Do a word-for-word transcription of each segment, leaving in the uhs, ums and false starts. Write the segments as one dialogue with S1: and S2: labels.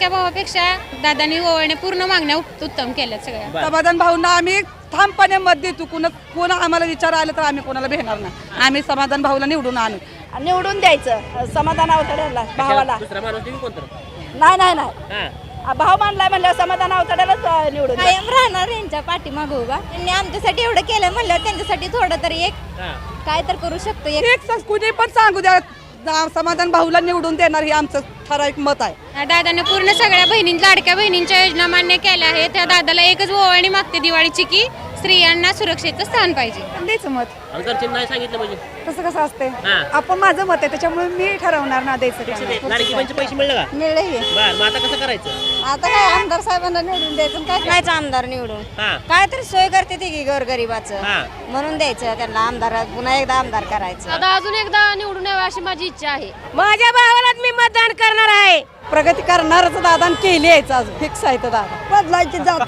S1: लाडक्या भावापेक्षा दादानी ओवाळणे पूर्ण मागण्या उत्तम केल्यात सगळ्या.
S2: समाधान भाऊंना आम्ही ठामपणे मत देतो. कुणा कोण आम्हाला विचार आलं तर आम्ही कोणाला भेटणार नाही. आम्ही समाधान भाऊला निवडून आणू
S3: निवडून द्यायचं समाधान अवतड्याला भावाला. नाही नाही नाही भाव मानलाय म्हणल्यावर समाधान अवतड्यालाच निवडून
S1: कायम राहणार यांच्या पाठीमागं उभा. त्यांनी आमच्यासाठी एवढं केलं म्हणलं त्यांच्यासाठी थोडं तरी एक काय तर करू शकतो.
S2: एक कुणी पण सांगू द्या समाधान भाऊला निवडून देणार हे आमचं ठराविक मत आहे.
S1: दादाने पूर्ण सगळ्या बहिणी लाडक्या बहिणींच्या योजना मान्य केल्या आहेत. त्या दादाला एकच ओवाळणी मागते दिवाळीची की स्त्रियांना सुरक्षेचं स्थान पाहिजे.
S4: द्यायचं मत
S5: नाही सांगितलं म्हणजे
S4: तसं कसं असते आपण माझं मत आहे त्याच्यामुळे मी ठरवणार ना द्यायचं.
S5: लाडकी बहिणीचे पैसे मिळले का?
S4: मिळले
S5: बरं मग आता कसं करायचं?
S4: आता काय आमदार साहेबांना निवडून द्यायचं. काय
S3: करायचं आमदार निवडून काय तरी सोय करते ती की गोरगरिबाचं म्हणून द्यायचं त्यांना आमदार पुन्हा एकदा आमदार करायचं.
S1: आता अजून एकदा निवडून यावं अशी माझी इच्छा आहे.
S3: माझ्या भावालाच मी मतदान करणार आहे.
S2: प्रगती करणारच दादा केली आहे फिक्स आहे. दादा
S4: बदलायची जात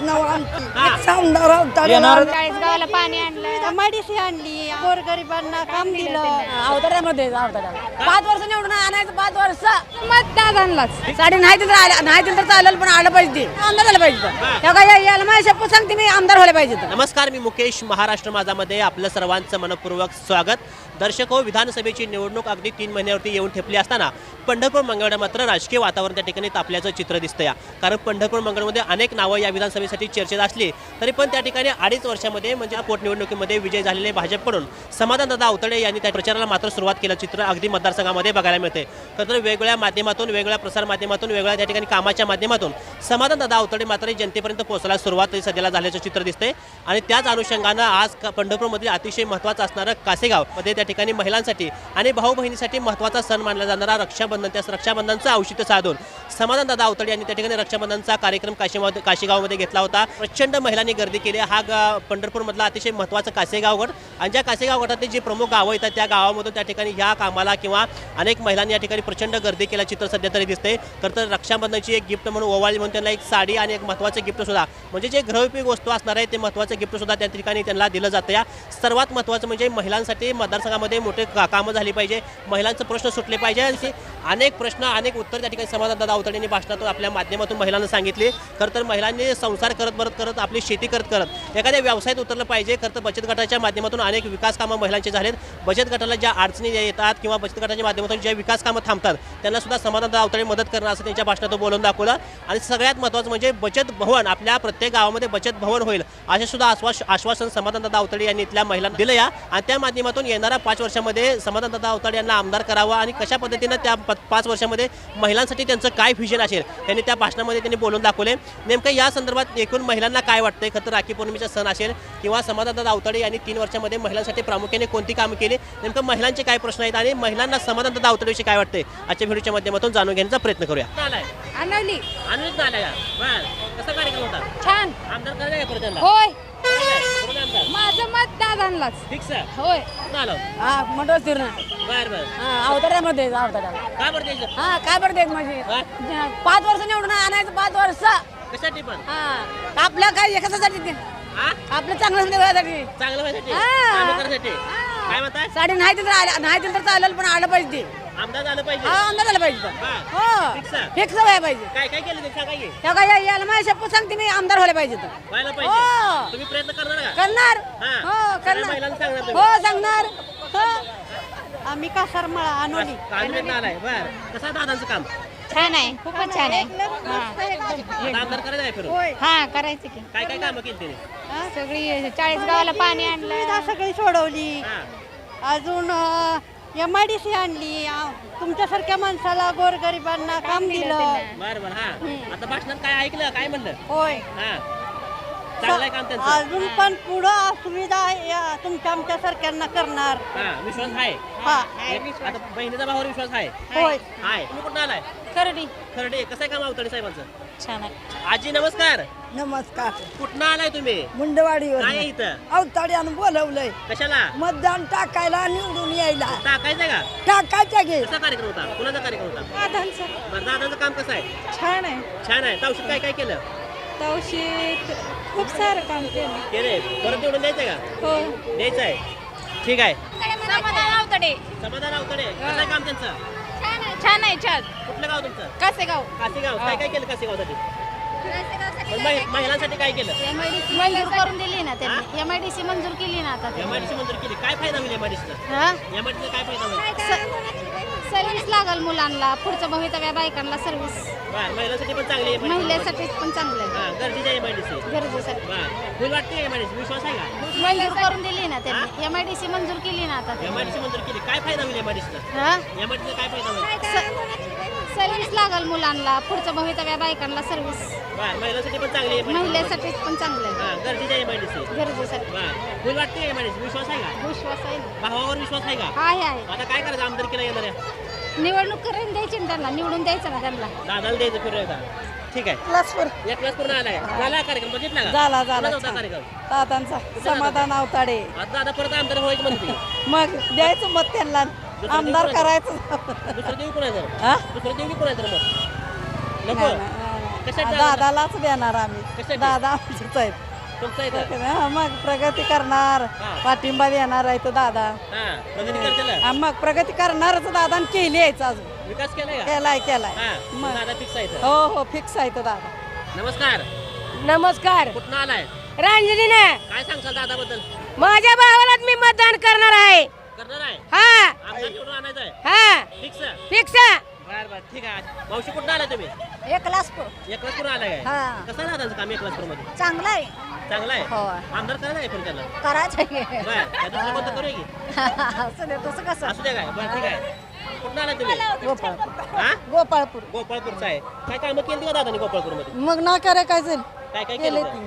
S1: चाळीसगावला पाणी आणलं,
S4: मेडिसिन आणली, गोरगरिबांना काम दिलं.
S3: अवतड्यामध्ये पाच वर्ष निवडून आणायचं. पाच वर्ष
S1: मत दादांनाच.
S3: साडी नाही दिलं तर नाही दिलं तर चालेल पण आलं पाहिजे आमदार झालं पाहिजे. याला माझ्या शपथ सांगते मी आमदार व्हायला पाहिजे.
S5: नमस्कार, मी मुकेश. महाराष्ट्र माझामध्ये आपलं सर्वांचं मनपूर्वक स्वागत. दर्शक हो, विधानसभेची निवडणूक अगदी तीन महिन्यावरती येऊन ठेपली असताना पंढरपूर मंगळवेढा मात्र राजकीय वातावरण त्या ठिकाणी तापल्याचं चित्र दिसतं या. कारण पंढरपूर मंगळमध्ये अनेक नावं या विधानसभेसाठी चर्चेत असली तरी पण त्या ठिकाणी अडीच वर्षामध्ये म्हणजे पोटनिवडणुकीमध्ये विजय झालेले भाजपकडून समाधानदादा अवतडे यांनी त्या प्रचाराला मात्र सुरुवात केलं चित्र अगदी मतदारसंघामध्ये बघायला मिळते. तर वेगवेगळ्या माध्यमातून, वेगवेगळ्या प्रसार माध्यमातून, वेगवेगळ्या त्या ठिकाणी कामाच्या माध्यमातून समाधानदादा अवतडे मात्र जनतेपर्यंत पोहोचायला सुरुवात सध्याला झाल्याचं चित्र दिसते. आणि त्याच अनुषंगानं आज पंढरपूरमध्ये अतिशय महत्त्वाचं असणारं कासेगाव मध्ये त्या ठिकाणी महिलांसाठी आणि भाऊ बहिणीसाठी महत्त्वाचा सण मानला जाणारा रक्षाबंधन, त्या रक्षाबंधनचं औचित्य साधून समाधानदादा अवतडे यांनी त्या ठिकाणी रक्षाबंधनचा कार्यक्रम काशीमध्ये काशीगावमध्ये घेतला होता. प्रचंड महिलांनी गर्दी केली. हा पंढरपूरमधला अतिशय महत्त्वाचा कासेगाव गट आणि ज्या कासेगाव गटातले जे प्रमुख गावं येतात त्या गावामधून त्या ठिकाणी ह्या कामाला किंवा अनेक महिलांनी या ठिकाणी प्रचंड गर्दी केल्या चित्र सध्या तरी दिसते. खरं तर रक्षाबंधनची एक गिफ्ट म्हणून ओवाळी म्हणून त्यांना एक साडी आणि एक महत्त्वाचं गिफ्ट सुद्धा म्हणजे जे गृहोपयोगी वस्तू असणार आहे ते महत्त्वाचं गिफ्ट सुद्धा त्या ठिकाणी त्यांना दिलं जातं. या सर्वात महत्त्वाचं म्हणजे महिलांसाठी मतदारसंघामध्ये मोठे कामं झाली पाहिजे, महिलांचे प्रश्न सुटले पाहिजे. असे अनेक प्रश्न अनेक उत्तर त्या ठिकाणी समाधानदादा अवतडेंनी भाषणातून आपल्या माध्यमातून महिलांना सांगितले. खरं तर महिलांनी संसार करत बरत करत आपली शेती करत करत एखाद्या व्यवसायात उतरलं पाहिजे. खरं तर बचत गटाच्या माध्यमातून अनेक विकास कामं महिलांचे झालेत. बचत गटाला ज्या अडचणी येतात किंवा बचत गटाच्या माध्यमातून ज्या विकास कामं थांबतात त्यांना सुद्धा समाधानदादा अवतडे मदत करणं असं त्यांच्या भाषणातून बोलून दाखवलं. आणि सगळ्यात महत्त्वाचं म्हणजे बचत भवन, आपल्या प्रत्येक गावामध्ये बचत भवन होईल असे सुद्धा आश्वास आश्वासन समाधानदादा अवतडे यांनी इथल्या महिलांना दिलं या. आणि त्या माध्यमातून येणाऱ्या पाच वर्षामध्ये समाधानदादा अवतडे यांना आमदार करावा आणि कशा पद्धतीनं त्या पाच वर्षामध्ये महिलांसाठी त्यांचं काय व्हिजन असेल त्यांनी त्या भाषणामध्ये त्यांनी बोलून दाखवले. नेमकं या संदर्भात एकूण महिलांना काय वाटतंय, खरं तर राखी पौर्णिमेचा सण असेल किंवा समाधानदादा अवतडे यांनी तीन वर्षामध्ये महिलांसाठी प्रामुख्याने कोणती कामं केली, नेमकं महिलांचे काय प्रश्न आहेत आणि महिलांना समाधानदादा अवतडेविषयी काय वाटतंय आजच्या व्हिडिओच्या माध्यमातून जाणून घेण्याचा प्रयत्न करूया.
S1: आणवली
S5: आणून आलाय कसा कार्यक्रम होता?
S1: छान.
S5: आमदार करायला काय परत
S1: होय, माझं मत दादांनाच
S5: फिक्स आहे.
S1: होय.
S5: आलो
S3: हा मंडळ फिरणं
S5: बर बर
S3: अवतड्यामध्ये अवतड्याला
S5: काय बरं द्यायचं?
S3: हा काय बरं देत माझी पाच वर्ष निवडून आणायचं. पाच वर्ष
S5: कशासाठी पण
S3: हा आपल्या काय एखाद्यासाठी आपलं चांगलं देवासाठी
S5: चांगलं व्हायसाठी
S3: हा.
S5: कामं करण्यासाठी काय म्हणताय?
S3: साडी नाही दिलं तर नाही दिलं तर चालेल पण आलं पाहिजे.
S5: आमदार झालं पाहिजे.
S3: हा आमदार झालं पाहिजे.
S5: हा.
S3: हो
S5: फिक्स आहे.
S3: फिक्स व्हायला पाहिजे.
S5: काय काय केलं ते सांगा की.
S3: त्या काय याला माझ्या शपथ सांगते मी आमदार व्हायला पाहिजे.
S5: व्हायला
S3: हो.
S5: पाहिजे. तुम्ही प्रयत्न करणार का?
S3: करणार
S5: हा.
S3: हो
S5: सगळ्या महिलांना सांगणार
S3: करणार
S5: तुम्ही?
S3: हो सांगणार हो.
S4: आम्ही कासारमळा आणवली.
S5: कानवेत आलाय बर. कसं आहे दादांचं काम?
S1: छान आहे, खूपच छान आहे.
S5: आता आमदार करायचं आहे फिरून?
S1: हा करायचं की.
S5: काय काय कामं केली त्याने?
S1: सगळी चाळीसगावला पाणी आणलं.
S4: सुविधा सगळी सोडवली.
S5: हा.
S4: अजून एम आय डी सी आणली. आ, तुमच्यासारख्या माणसाला गोरगरिबांना काम दिलं.
S5: बर बर. हा आता भाषणात काय ऐकलं, काय म्हणलं?
S4: होय.
S5: हा चांगलं आहे काम त्यांचं.
S4: अजून पण पुढं सुविधा या तुमच्या आमच्या सारख्यांना करणार.
S5: हा विश्वास आहे.
S4: हा
S5: आता बहिणीचा भावावर विश्वास आहे.
S4: होय.
S5: हाय. तुम्ही कुठं आलाय?
S1: खरडी.
S5: खरडे. कसं आहे काम अवतडे साहेबांचं?
S1: छान आहे.
S5: आजी नमस्कार.
S4: नमस्कार.
S5: कुठनं आलाय तुम्ही?
S4: मुंडवाडीवर
S5: काय आहे इथं?
S4: अवताड्यानं बोलवलंय
S5: कशाला?
S4: मतदान टाकायला निवडून यायला.
S5: टाकायचं का?
S4: टाकायचं घे.
S5: कसा कार्यक्रम होता? कुणाचा कार्यक्रम होता?
S4: दादांचं
S5: बरं दादाचं काम कसं आहे?
S4: छान आहे.
S5: छान आहे. तावशीत काय काय केलं?
S4: तवशीत खूप सारं काम केलं.
S5: केले. परत निवडून द्यायचं का?
S4: हो.
S5: द्यायचं आहे. ठीक आहे.
S1: समाधान अवतडे.
S5: समाधान अवतडे. कसं आहे काम त्यांचं?
S1: छान आहे, छान छान आहे छान.
S5: कुठलं गाव तुमचं?
S1: कासेगाव.
S5: कासेगाव. काय काय केलं कासेगावसाठी? पण महि- महिलांसाठी काय केलं?
S4: मंजूर करून दिली ना त्यांनी एम आय डी सी मंजूर केली ना आता
S5: एमआयडीसी मंजूर केली. काय फायदा होईल एमआयडीसीचा?
S4: हा
S5: एमआयडीसीचा काय फायदा होईल?
S4: सर्व्हिस लागल मुलांना पुढचं भवितव्या बायकांना सर्व्हिस
S5: बरं, महिलांसाठी पण चांगली आहे
S4: महिलेसाठी पण चांगलं आहे
S5: हा, गरजेची आहे एमआयडीसी.
S4: गरजेसाठी
S5: बरं, फुल वाटते एमआयडीसी? विश्वास आहे का?
S4: मंजूर करून दिली ना त्यांनी एम आय डी सी मंजूर केली ना आता
S5: एमआयडीसी मंजूर केली. काय फायदा होईल एमआयडीसीचा?
S4: हा
S5: एमआयडीसीचा काय फायदा होईल?
S4: सर्व्हिस लागल मुलांना पुढचं भवितव्या बायकांना सर्व्हिस
S5: बरं, महिलांसाठी पण चांगली आहे
S4: महिलेसाठी पण चांगलं आहे
S5: हा, गरजेची आहे एमआयडीसी.
S4: गरजेसाठी
S5: बरं, फुल वाटते एमआयडीसी. विश्वास आहे का?
S4: विश्वास आहे ना
S5: भावावर विश्वास आहे का?
S4: आहे आहे
S5: आता काय करायचं आमदारकीला येणाऱ्या?
S4: निवडणूक करून द्यायची ना त्यांना निवडून द्यायचं ना त्यांना
S5: दादाला द्यायचं फिरून एकदा. ठीक आहे.
S2: क्लासवर
S5: एक क्लास पूर्ण आलाय. झाला कार्यक्रम बघितला का?
S2: झाला झाला
S5: कुणाचा होता
S2: छान.
S5: कार्यक्रम?
S2: दादांचा समाधान अवताडे.
S5: आता दादा परत आमदार व्हायचं म्हणते.
S2: मग द्यायचं मत त्यांना आमदार करायचं.
S5: दुसरं देऊ कोणाचं?
S2: हा?
S5: दुसरं देऊ की कोणाचं मग? नको.
S2: नाही, नाही,
S5: कशात
S2: नाही.
S5: दादा?
S2: दादालाच देणार आम्ही
S5: कशात?
S2: दादा आमचेच आहेत.
S5: तुमचं इथं?
S2: हा, मग प्रगती करणार
S5: हा.
S2: पाठिंबा देणार आहे तो दादा.
S5: हा, प्रगती करतेला?
S2: हा, मग प्रगती करणारच दादा आणि केली आहेच अजून
S5: विकास केलाय का?
S2: केलाय केलाय
S5: हा,
S2: मग
S5: दादा फिक्स आहे इथं.
S2: हो हो फिक्स आहे तो दादा.
S5: नमस्कार.
S6: नमस्कार
S5: कुठनं आलाय?
S6: रांजलीने
S5: काय सांगसाल दादाबद्दल?
S6: माझ्या भावाला मी मतदान करणार आहे.
S5: करणार आहे?
S6: हा
S5: आमदार निवडून आणायचं आहे?
S6: हा
S5: फिक्स?
S6: फिक्स
S5: बर बर, ठीक आहे. मावशी कुठं आलाय तुम्ही?
S4: एक क्लास
S5: एक क्लास पूर्ण आलाय काय?
S4: हा.
S5: कसं आहे दादाचं काम एक क्लास मध्ये?
S4: चांगला आहे
S5: चांगलं आहे?
S4: हो.
S5: आमदार करायचं आहे पण त्याला?
S4: करायचं
S5: बर, काय दुसरं कोणतं करूया की?
S4: तसं कसं
S5: असू द्या काय? बरं, ठीक आहे. कुठं आलाय तुम्ही?
S2: गोपाळपूर
S5: हा?
S2: गोपाळपूर
S5: गोपाळपूरचं आहे. काय कामं केली का दादानी गोपाळपूरमध्ये?
S2: मग ना करे काय जाईल
S5: काय काय
S2: केले
S5: केलं?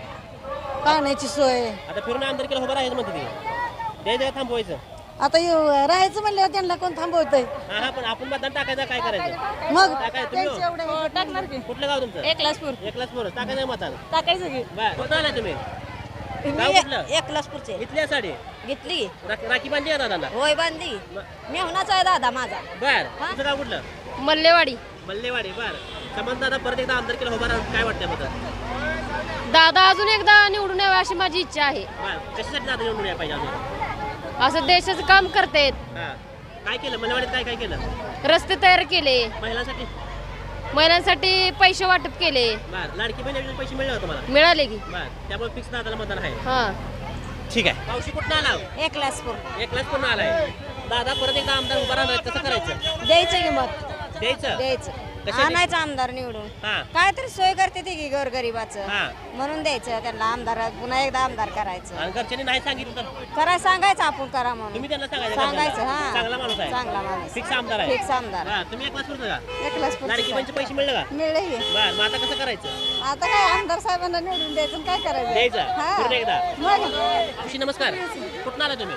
S2: ती पाण्याची सोय.
S5: आता फिरून आमदार केलं उभं राहायचं म्हणते ती. द्यायचं का थांबवायचं?
S2: आता येऊ- राहायचं म्हणल्यावर त्यांना कोण थांबवतंय.
S5: हा हा, पण आपण मतदान टाकायचं काय करायचं?
S2: मग
S5: टाकाय तुम्ही हो?
S2: त्यांचे एवढे
S4: टाकणार की
S5: कुठलं गाव तुमचं?
S4: एक क्लासपूर
S5: एक क्लास पोरं टाकायचं मतदान.
S4: टाकायचं की
S5: बर, कुठं आलाय तुम्ही? गाव कुठलं?
S4: एक क्लासपूरचे
S5: इथल्या साडी
S4: घेतली
S5: राखी राखी बांधली आहे दादाला?
S4: होय बांधली मेहुणाचा आहे दादा माझा
S5: बर, तुझं गाव कुठलं?
S4: मल्लेवाडी
S5: मल्लेवाडी. बर, समज दादा परत एकदा आमदार केलं उभं राहून काय वाटतं बद्दल?
S4: दादा अजून एकदा निवडून यावं अशी माझी इच्छा आहे
S5: बर, कशासाठी दादा निवडून यायला पाहिजे अजून?
S4: असं देशाचं काम करतायत
S5: हा, काय केलं मल्लेवाडीत? काय काय केलं
S4: रस्ते तयार केले
S5: महिलांसाठी?
S4: महिलांसाठी पैसे वाटप केले
S5: बर, लाडकी बहीण योजनेचे पैसे मिळले का तुम्हाला?
S4: मिळाले की
S5: बर, त्यामुळे फिक्स दादाला मतदान आहे.
S4: हा
S5: ठीक आहे. मावशी कुठं आला?
S4: एक क्लासपूर
S5: एक क्लास पूर्ण आलाय. दादा परत एकदा आमदार उभा राहणार कसं करायचं?
S4: द्यायचं की मत
S5: द्यायचं?
S4: द्यायचं
S5: कशासाठी?
S4: आणायचं आमदार निवडून
S5: हा
S4: काय तरी सोय करते ती की गोरगरिबाचं
S5: हा.
S4: म्हणून द्यायचं त्यांना आमदार पुन्हा एकदा आमदार करायचं
S5: आणि घरच्यांनी नाही सांगितलं तर
S4: करायला सांगायचं आपण करा म्हणून
S5: तुम्ही त्यांना सांगायचं
S4: सांगायचं
S5: घरच्यांना.
S4: हा
S5: चांगला माणूस आहे.
S4: चांगला माणूस
S5: फिक्स आमदार आहे.
S4: फिक्स आमदार
S5: हा, तुम्ही एक क्लास पूर्ण का?
S4: एक क्लासपूर
S5: लाडकी बहीणचे पैसे मिळले का?
S4: मिळले की
S5: बर, मग आता कसं करायचं?
S2: आता काय आमदार साहेबांना निवडून द्यायचं आणि काय करायचं.
S5: द्यायचं
S2: हा.
S5: पूर्ण एकदा.
S2: मग
S5: मावशी नमस्कार. कुठून आला तुम्ही?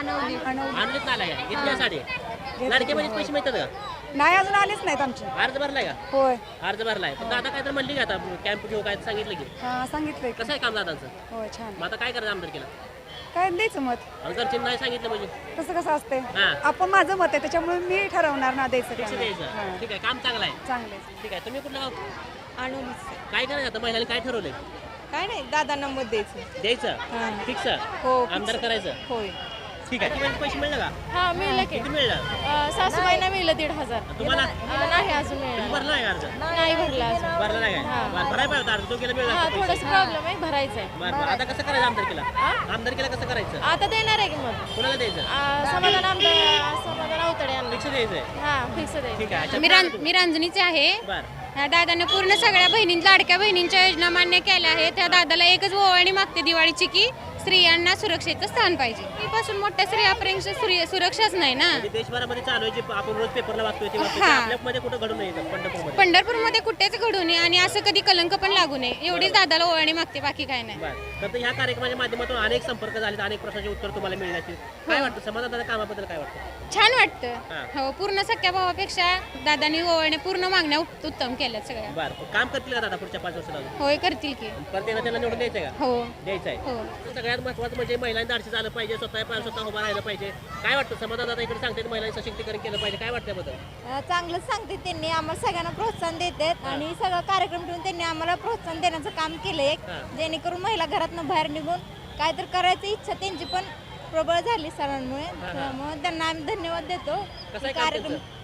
S5: आणलीत आलाय का? इथल्या साडी लाडकी बहिणीचे पैसे मिळतात का?
S2: नाही अजून आलेच नाहीत आमचे.
S5: अर्ज भरलाय का?
S2: होय
S5: अर्ज भरलाय. पण दादा काय तर म्हणली का आता कॅम्प घेऊ काय सांगितलं की?
S2: हा सांगितलंय
S5: कसं आहे काम दादांचं?
S2: होय छान.
S5: मग आता काय करायचं आमदार केलं?
S2: काय द्यायचं मत
S5: आणि घरच्यांनी नाही सांगितलं म्हणजे
S2: तसं कसं असते.
S5: हा.
S2: आपण माझं मत आहे त्याच्यामुळे मी ठरवणार ना द्यायचं
S5: फिक्स
S2: त्यांना.
S5: द्यायचं.
S2: हा.
S5: ठीक आहे, काम चांगलं आहे.
S2: चांगले
S5: ठीक आहे. तुम्ही कुठलं गाव?
S2: आणूनच
S5: काय करायचं आता महिलांनी काय ठरवलंय?
S2: काय नाही दादांना मत द्यायचं.
S5: द्यायचं
S2: हा.
S5: फिक्स
S2: हो, fix.
S5: आमदार करायचं.
S2: होय
S5: ठीक आहे. किती पैसे मिळले का?
S1: हा मिळलं की
S5: किती मिळलं?
S1: सासूबाईंना मिळलं दीड हजार
S5: तुम्हाला?
S1: नाही अजून
S5: तुम्ही
S1: मिळालं
S5: भरला आहे अर्ज?
S1: नाही भरला अजून
S5: भरला नाही काय? बरं, भरायला पाहिजे होता अर्ज. तो केला मिळला
S1: हा
S5: असता पैसे.
S1: थोडस प्रॉब्लेम आहे भरायचं आहे
S5: बरं, बरं. आता कसं करायचं आमदार केला? आमदार केला कसं करायचं?
S1: आता देणार आहे की मग
S5: कुणाला द्यायचं?
S1: आ, समाधान आमदार समाधान अवतडे यांना
S5: फिक्स द्यायचंय.
S1: हा फिक्स द्यायचं
S5: ठीक आहे. अच्छा,
S1: मी रां- मी रांजणीचे आहे
S5: बरं.
S1: ह्या दादाने पूर्ण सगळ्या बहिणी लाडक्या बहिणींच्या योजना मान्य केल्या आहेत. त्या दादाला एकच ओवाळणी मागते दिवाळीची की स्त्रियांना सुरक्षेचं स्थान पाहिजे. पासून मोठ्या स्त्रियापर्यंत स्त्री सुरक्षाच नाही ना.
S5: म्हणजे देशभरामध्ये चालू आहे जे आपण रोज पेपरला वाचतोय ते वाचतोय.
S1: हा.
S5: ते आपल्यामध्ये कुठं घडून नाही येत पंढरपूरमध्ये.
S1: पंढरपूरमध्ये कुठेच घडू नये आणि असं कधी कलंक पण लागू नये एवढीच दादाला ओवाळणी मागते, बाकी काय नाही.
S5: बरं. तर ह्या कार्यक्रमाच्या माध्यमातून अनेक संपर्क झाले, अनेक प्रश्नांची उत्तर तुम्हाला मिळण्याची काय वाटतं? समाजाच्या कामाबद्दल काय वाटतं?
S1: छान
S5: हा.
S1: वाटतं. हो, पूर्ण सख्या भावापेक्षा दादानी ओवाळणे पूर्ण मागण्या उत- उत्तम केल्यात सगळ्या.
S5: बरं, काम करतील का दादा पुढच्या पाच वर्षाला अजून?
S1: होय करतील की.
S5: परत एकदा त्यांना निवडून द्यायचं का?
S1: हो
S5: द्यायचं आहे.
S1: हो
S5: सगळ्यात महत्त्वाचं म्हणजे महिलांनी धाडसी झालं पाहिजे, स्वतः पाय स्वतः उभं राहिलं पाहिजे. काय वाटतं? समाजात आता इकडे सांगतात महिलांनी सशक्तीकरण केलं पाहिजे, काय वाटतं त्याबद्दल?
S7: चांगलंच सांगते त्यांनी आम्हाला सगळ्यांना प्रोत्साहन देतात आणि सगळं कार्यक्रम ठेवून त्यांनी आम्हाला प्रोत्साहन देण्याचं काम केलंय
S5: हा.
S7: जेणेकरून महिला घरातनं बाहेर निघून काय तर करायची इच्छा त्यांची पण प्रबळ झाली सरांमुळे
S5: हा.
S7: त्यामुळे त्यांना आम्ही धन्यवाद देतो
S5: कसं आहे
S7: की
S5: काम
S7: कार्यक्रम
S5: त्यांचं?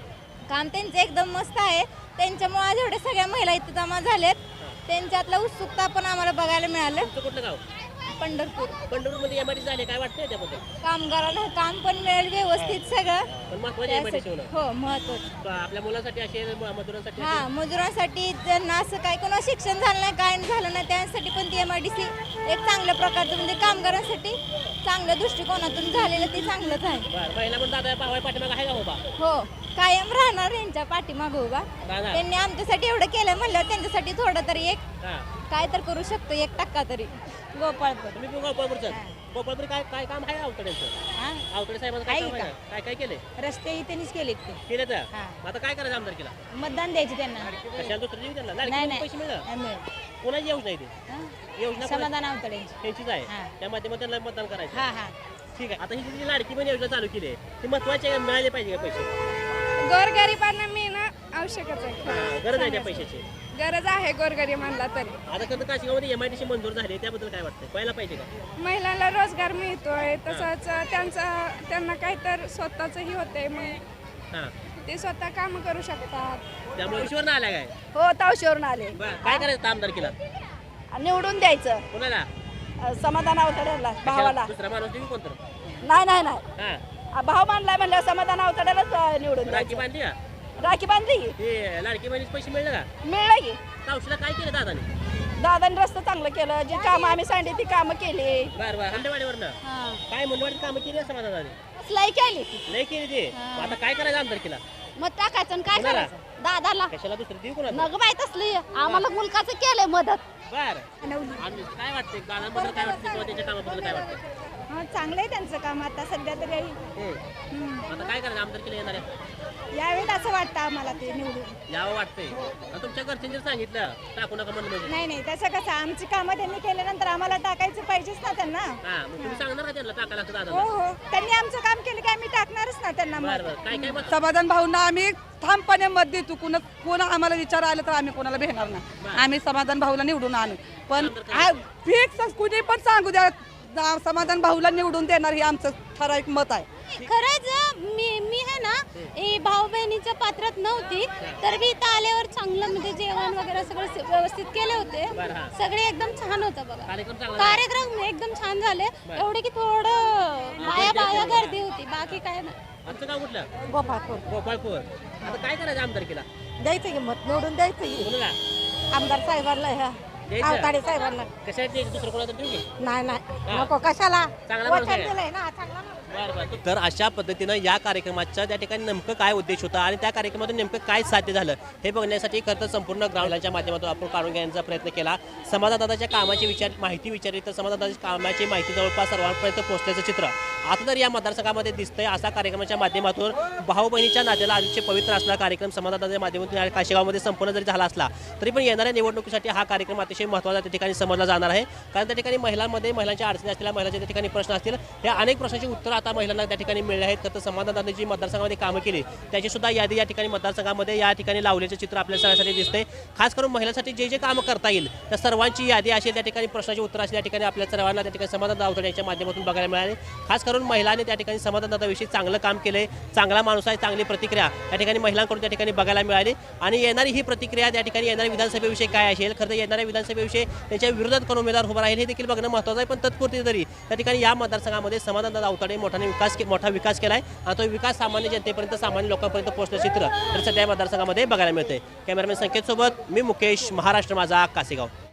S7: काम त्यांचं एकदम मस्त आहे. त्यांच्यामुळे आज एवढ्या सगळ्या महिला इथे जमा झाल्यात. त्यांच्यातलं उत्सुकता पण आम्हाला बघायला मिळालं.
S5: तुमचं कुठलं गाव?
S7: पंढरपूर
S5: पंढरपूरमध्ये एम आय डी सी झाले, काय वाटतंय त्याबद्दल?
S7: कामगारांना काम पण मिळेल व्यवस्थित सगळं.
S5: पण महत्वाचे एम आय डी सी होणं
S7: हो महत्वाचं.
S5: आपल्या मुलांसाठी असे मजुरांसाठी
S7: हा मजुरांसाठी ज्यांना असं काय कोणा शिक्षण झालं नाही काय झालं नाही त्यांसाठी पण ती एम आय डी सी एक चांगल्या प्रकारचं म्हणजे कामगारांसाठी चांगल्या दृष्टिकोनातून झालेलं ते चांगलंच आहे.
S5: बरं, महिला पण दादा पाहाय पाठीमागं आहे का उभा?
S7: हो कायम राहणार यांच्या पाठीमागं उभा.
S5: राहणार.
S7: त्यांनी आमच्यासाठी एवढं केलं म्हणल्यावर त्यांच्यासाठी थोडं तरी एक
S5: हा.
S7: काय तर करू शकतो एक टक्का तरी. गोपाळपूर
S5: तुम्ही गोपाळपूरचं गोपाळपूर काय काय काम आहे अवतड्यांचं? अवतडे साहेबांचं काय काम आहे? काय काय केले
S4: रस्ते त्यांनीच केले ते
S5: केले तर मग आता काय करायचं आमदार केला?
S4: मतदान द्यायचे त्यांना
S5: कशाला दुसरं देऊ त्यांना?
S4: नाही,
S5: लाडकी
S4: नाही.
S5: पैसे मिळणार
S4: नाही मिळेल.
S5: कोणाची योजना आहे ती? योजना कोणाची?
S4: समाधान अवतड्यांची.
S5: त्यांचीच
S4: हा.
S5: आहे त्या माध्यमातून त्यांना मतदान करायचं.
S4: हा हा
S5: ठीक आहे. आता ही जी लाडकी पण योजना चालू केली आहे ती महत्वाची आहे का? मिळाले पाहिजे का पैसे?
S8: गोरगरिबांना मिळणं आवश्यकच आहे.
S5: हा, गरज आहे त्या पैशाची.
S8: गरज आहे गोरगरिबांना तरी.
S5: आता कसं काशिगावमध्ये एम आय डी सी मंजूर झाली त्याबद्दल काय वाटतं? व्हायला पाहिजे का?
S8: महिलांना रोजगार मिळतोय तसंच त्यांचा त्यांना काहीतर स्वतःचंही होतंय मग
S5: हा
S8: ते स्वतः काम करू शकतात.
S5: त्यामुळे ईश्वर आला काय?
S3: हो तावशीवरून आले.
S5: बरं, काय करायचं आमदार केला?
S3: निवडून द्यायचं
S5: कोणाला?
S3: अ, समाधान अवतड्याला भावाला.
S5: दुसरा माणूस तुम्ही कोणतं?
S3: नाही नाही नाही
S5: हा
S3: आ, भाव मानलाय म्हणल्यावर समाधान अवतड्यालाच अ, निवडून
S5: राखी
S3: द्यायचं.
S5: बांधली का?
S3: राखी बांधली की
S5: ते लाडकी बहिणीचे पैसे मिळले का?
S3: मिळलं की
S5: तावशीला काय केलं दादाने?
S3: दादाने रस्ता चांगलं केलं जी कामं आम्ही सांगितली ती कामं केली.
S5: बरं बरं हंडेवाडीवरनं काय मुंडवाडीत कामं केली असं माझा दादाने?
S3: सलाई केली
S5: नाही केली ते मग आता काय करायचं आमदार केला?
S3: मग टाकायचं आणि काय
S5: कोणाला?
S3: करायचं दादाला
S5: कशाला दुसरं देऊ कोणाला?
S3: नग माहित असली आम्हाला मुलकाचं केलंय मदत.
S5: बरं आणि काय वाटतंय दादांबद्दल काय वाटतं किंवा त्यांच्या कामाबद्दल काय वाटतं?
S8: हा चांगलं आहे त्यांचं काम आता सध्या तरी.
S5: हम्म. आता काय करायचं आमदार केलं येणार आहे?
S8: यावेळेस असं वाटतं आम्हाला ते निवडून.
S5: यावं वाटतंय आणि तुमच्या घरच्यांनी जर सांगितलं टाकू नका म्हणलं म्हणजे
S8: नाही नाही तसं कसं आमची कामं त्यांनी केल्यानंतर आम्हाला टाकायचं पाहिजेच ना त्यांना.
S5: हा मग तुम्ही सांगणार का त्यांना टाकायला असं
S8: हो
S5: दादा?
S8: हो त्यांनी आमचं काम केलं की आम्ही टाकणारच ना त्यांना मत.
S5: बरं बरं काय काय मत?
S2: समाधान भाऊंना आम्ही ठामपणे मत देतो. कुणा कोण आम्हाला विचार आलं तर आम्ही कोणाला भेटणार नाही. आम्ही समाधान भाऊला निवडून आणू. पण फिक्स कुणी पण सांगू द्या जा- समाधान भाऊला निवडून देणार हे आमचं ठराविक मत आहे.
S1: खरंच मी मी आहे ना ए भाऊ बहिणीच्या पात्रात नव्हती तर मी इथं आल्यावर चांगलं म्हणजे जेवण वगैरे सगळं स- व्यवस्थित केले होते.
S5: बरं, हा.
S1: सगळे एकदम छान होतं बघा.
S5: कार्यक्रम चांगला झाला.
S1: कार्यक्रम एकदम छान झाले. एवढे की थोडं बाया बाया गर्दी होती बाकी काय नाही.
S5: आमचं गाव कुठलं?
S3: गोपाळपूर
S5: गोपाळपूर. आता काय करायचं आमदार केला?
S3: द्यायचं की मत निवडून द्यायचं की
S5: कोणाला
S3: आमदार साहेबांना ह्या
S5: द्यायचं?
S3: अवताडे साहेबांना.
S5: कशासाठी द्यायचं? दुसरं कोणाला देऊ की?
S3: नाही
S5: हा.
S3: नाही नको कशाला
S5: चांगला माणूस आहे.
S3: वचन दिलंय ना चांगला माणूस.
S5: बरं, बरं. तर अशा पद्धतीनं या कार्यक्रमाच्या त्या ठिकाणी नेमकं काय उद्देश होता आणि त्या कार्यक्रमातून नेमकं काय साध्य झालं हे बघण्यासाठी खरं तर संपूर्ण ग्राउंडच्या माध्यमातून आपण काढून घेण्याचा प्रयत्न केला. समाजदादाच्या कामाची विचार माहिती विचारली तर समाजदादाच्या कामाची माहिती जवळपास सर्वांपर्यंत पोहोचण्याचं चित्र आता तर या मतदारसंघामध्ये दिसतंय. असा कार्यक्रमाच्या माध्यमातून भाऊ बहिणीच्या नात्याला आजचे पवित्र असणारा कार्यक्रम समाजदादाच्या माध्यमातून या काशेगावमध्ये संपूर्ण जरी झाला असला तरी पण येणाऱ्या निवडणुकीसाठी हा कार्यक्रम अतिशय महत्त्वाचा त्या ठिकाणी समजला जाणार आहे. कारण त्या ठिकाणी महिलांमध्ये महिलांच्या अडचणी असलेल्या महिलांच्या त्या ठिकाणी प्रश्न असतील या अनेक प्रश्नांची उत्तरं आता महिलांना त्या ठिकाणी मिळले आहेत. तर समाजदादांनी जी मतदारसंघामध्ये कामं केली त्याची सुद्धा यादी या ठिकाणी मतदारसंघामध्ये या ठिकाणी लावल्याचं चित्र आपल्या सगळ्यासाठी दिसतंय. खास करून महिलांसाठी जे जे कामं करता येईल त्या सर्वांची यादी असेल त्या ठिकाणी प्रश्नाची उत्तर असेल त्या ठिकाणी आपल्या सर्वांना त्या ठिकाणी समाजदादा अवतडे यांच्या माध्यमातून बघायला मिळाले. खास करून महिलांनी त्या ठिकाणी समाजदादाविषयी चांगलं काम केलंय. चांगला माणूस आहे चांगली प्रतिक्रिया त्या ठिकाणी महिलांकडून त्या ठिकाणी बघायला मिळाली. आणि येणारी ही प्रतिक्रिया त्या ठिकाणी येणाऱ्या विधानसभेविषयी काय असेल खरं तर येणाऱ्या विधानसभेविषयी त्यांच्या विरोधात कोण उमेदवार उभा राहील हे देखील बघणं महत्त्वाचं आहे. पण तत्पुरती तरी त्या ठिकाणी या मतदारसंघामध्ये समाजदादा अवतडे मोठ्याने विकास मोठा विकास केला आहे आणि तो विकास सामान्य जनतेपर्यंत सामान्य लोकांपर्यंत पोहोचण्याचं चित्र तर सध्या मतदारसंघामध्ये बघायला मिळते. कॅमेरामॅन संकेत सोबत मी मुकेश, महाराष्ट्र माझा, कासेगाव.